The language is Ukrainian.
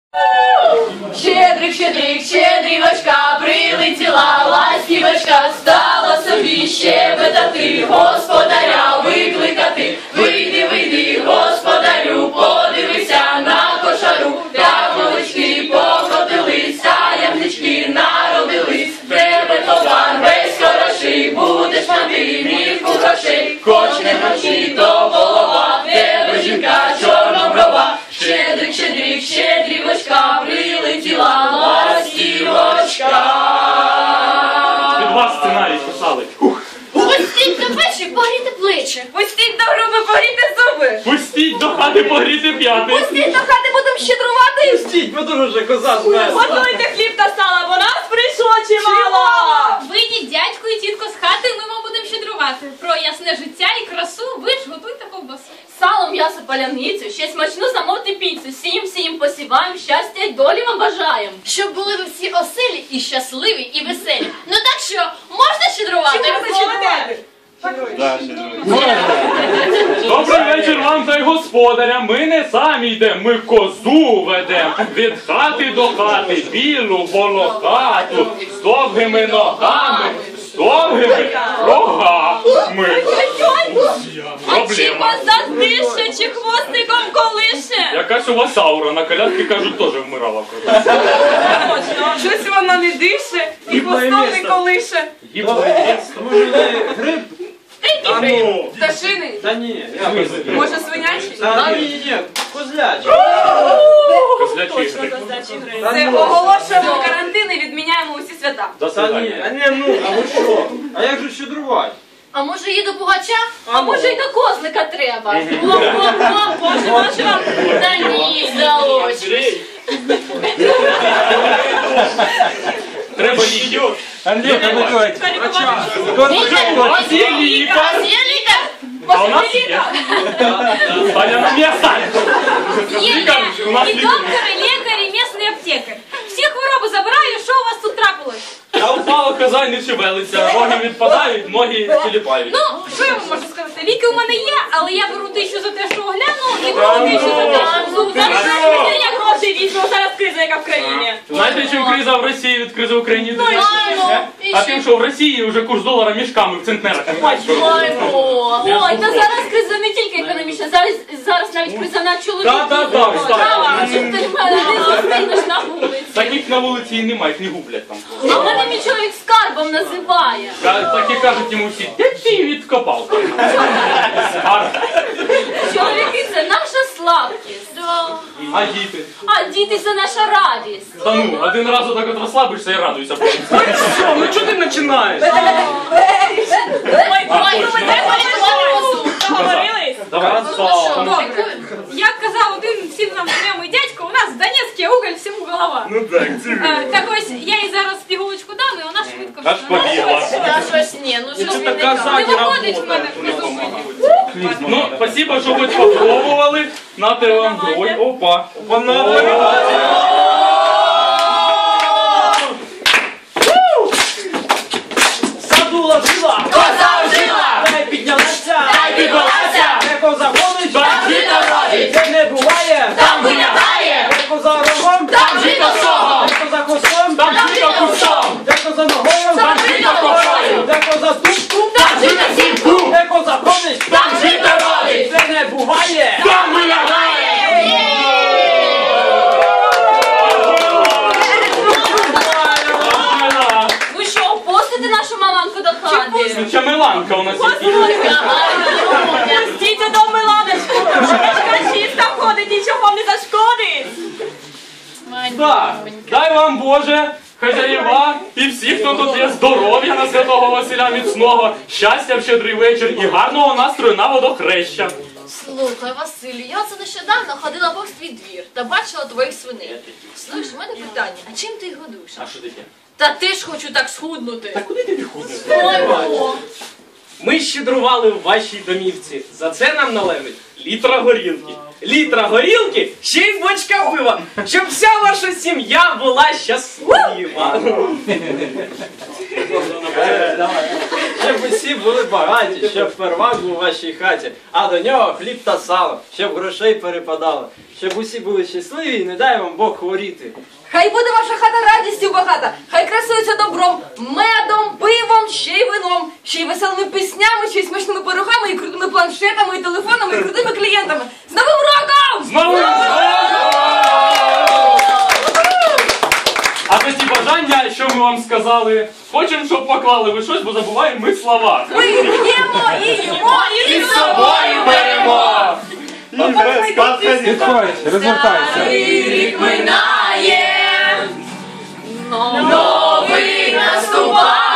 Щедрик, щедрик, щедрівочка, прилетіла ластівочка, стала собі щебетати, господаря викликати. Вийди, вийди, господарю, подивися на кошару, та молочки покотились, а ямнички народились. Тебе товар весь хороший, будеш мати мірку грошей, хоч не гроші, то голова, тебе жінка чорноброва. Щедрик, щедрик, щедрівочка, прилетіла ластівочка. Від вас сценарій писали. Пустіть до печі, погріти плечі. Пустіть до груби, погріти зуби. Пустіть до хати погріти п'яти. Пустіть до хати, будемо щедрувати. Пустіть, бо дуже вже коза змерзла. Готуйте хліб та сало, бо нас прийшло чимало. Вийдіть, дядьку і тітко, з хати, ми вам будемо щедрувати. Про ясне життя і красу ви ж готуйте ковбасу. Сало, м'ясо, паляницю, ще смачну замовте піцу. Сім посіваємо, щастя й долі вам бажаємо. Щоб були ви всі оселі і щасливі, і веселі. Ну так що, можна щедрувати? Добрий вечір вам та й господарям. Ми не самі йдемо, ми козу ведемо. Від хати до хати, білу волохату, з довгими ногами, з довгими рогами. Чи коза дише, чи хвостиком колише? Якась у вас аура, на колядки, кажуть, теж вмирала. Щось вона не дише і хвостом не колише. Може, гриб? Пташиний? Та ні. Може, свинячий? Та ні, козлячий. Козлячий гриб. Це оголошуємо карантин і відміняємо усі свята. Та ні, а ви що? А як же щедрувати? А може і до пугача? А може й до козлика треба. Боже, може вам? Та ні, залочиш. Треба ліків. Андрій, У вас є лікар. Є лікар? А у нас є. Таня на місце. Лікар, у нас І лікар. доктор, і лікар, і місний аптекар. Всі хвороби забираю, що у вас тут трапилось? Я упала, коза не шевелиться, роги відпадають, ноги тіліпають. Ну, що я вам можу сказати? Ліки у мене є, але я беру 1000 за те, що огляну, і беру 1000 за те, що зараз я гроші візьму, зараз криза, яка в країні. Знаєте, чим криза в Росії від кризи в Україні? І А ще- тим, що в Росії вже курс долара мішками в центнерах. Ой, та зараз криза не тільки економічна, зараз навіть криза на чоловіків. Так, А, щоб ти мене не зустрінеш на вулиці. Таких на вулиці і немає, їх не гублять там. А мене мій чоловік скарбом називає. Так і кажуть йому всі, де ти її відкопав? Скарб. Чоловіки – це наша слабкість. А діти? А діти – це наша радість. Та ну, один раз отак от розслабишся і радуйся. Що, ну чого ти починаєш? Ой, ну ми треба лікувати козу. Договорились? Давай. Добре. Як казав один всім нам знайомий дядько, у нас в Донецьке уголь всьому голова. Ну так, Так ось, я їй зараз пігулочку дам, і вона швидко аж побігла. Та щось ні, ну що ви не Не кажете? виходить в мене придумати. Ну, спасибо, що хоч попробували. Нате вам. Ой, опа. Садула жила! Коза жила! Дай піднялася! Дай підвелася! Де коза ходить! Жито родить! Де не буває! Там виглядає! Де коза рогом! Там жито согом! Де коза хвостом! Там жито кустом. Де коза ногою! Там жито кошою! Де коза тупку! Там жито сімку! Де коза ходить! Там жито родить! Де не буває! Там виглядає. Ви що, опустите нашу маманку до хати? Ну, Чамеланка у нас є. Стійте до Миланочку, Миланочка чиста ходить, нічого вам не зашкодить. Так, дай вам Боже, хазяєва і всі, хто тут є, здоров'я на Святого Василя міцного, щастя в щедрий вечір і гарного настрою на водохреща. Слухай, Василю, я це нещодавно ходила повз твій двір та бачила твоїх свиней. Слухай, у мене питання, а чим ти їх годуєш? А що таке? Та ти ж хочу так схуднути. Та куди ти ходиш? Ой, о. Ми щедрували в вашій домівці. За це нам належить літра горілки. Літра горілки, ще й бочка пива, щоб вся ваша сім'я була щаслива. щоб усі були багаті, щоб первак був у вашій хаті, а до нього хліб та сало, щоб грошей перепадало, щоб усі були щасливі і не дай вам Бог хворіти. Хай буде ваша хата радістю багата, хай красується добром, медом, пивом, ще й вином, ще й веселими піснями, ще й смачними пирогами, і крутими планшетами, і телефонами, і крутими клієнтами. З Новим роком! З Новим роком! А за ті бажання, що ми вам сказали, хочемо, щоб поклали ви щось, бо забуваємо ми слова. Ми п'ємо і їмо, і з собою беремо! Підходь, розвертайся. Рік минає, новий наступає.